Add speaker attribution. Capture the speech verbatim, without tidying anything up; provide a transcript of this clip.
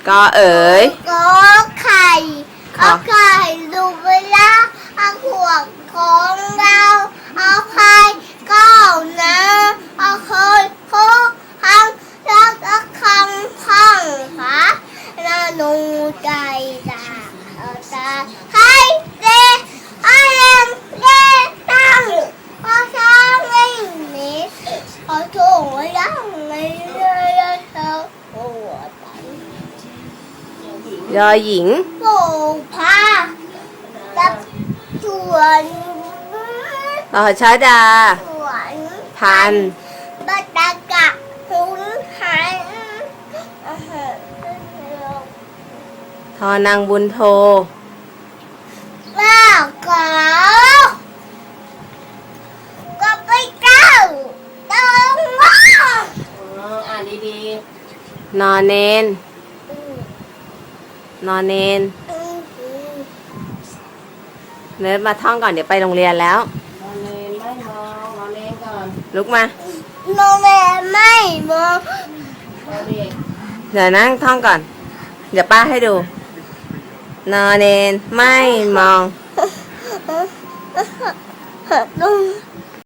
Speaker 1: ก็เอ๋ย
Speaker 2: ก็ไข่เอาไข่ดูเวลาเอาขวดของเราเอาไข่ก้าวนะเอาเคยโคคำแล้วก็คำข้างขาแล้วหนูใจตาเอาตาให้เด็กให้เล่นเล่นตั้งพอช้างไม่หนีพอโถงยังไม่เลยเธอปวด
Speaker 1: ยอหญิง
Speaker 2: โผพากับสวน
Speaker 1: ต่อชาดา
Speaker 2: สวน
Speaker 1: พัน
Speaker 2: บัตรกะหุนหัน
Speaker 1: ทอนางบุญโท
Speaker 2: ว่าก็ก็ไปเก้าตรงว่า
Speaker 1: อ่านดีๆนอนเนนนอนเนนเนิร์ดมาท่องก่อนเดี๋ยวไปโรงเรียนแล้ว
Speaker 3: นอนเนนไม่มองนอนเนนก่อน
Speaker 1: ลุกมา
Speaker 2: โนแม่ไม่มอง
Speaker 1: เดี๋ยวนั่งท่องก่อนเดี๋ยวป้าให้ดูนอนเนนไม่มอง
Speaker 2: ลุง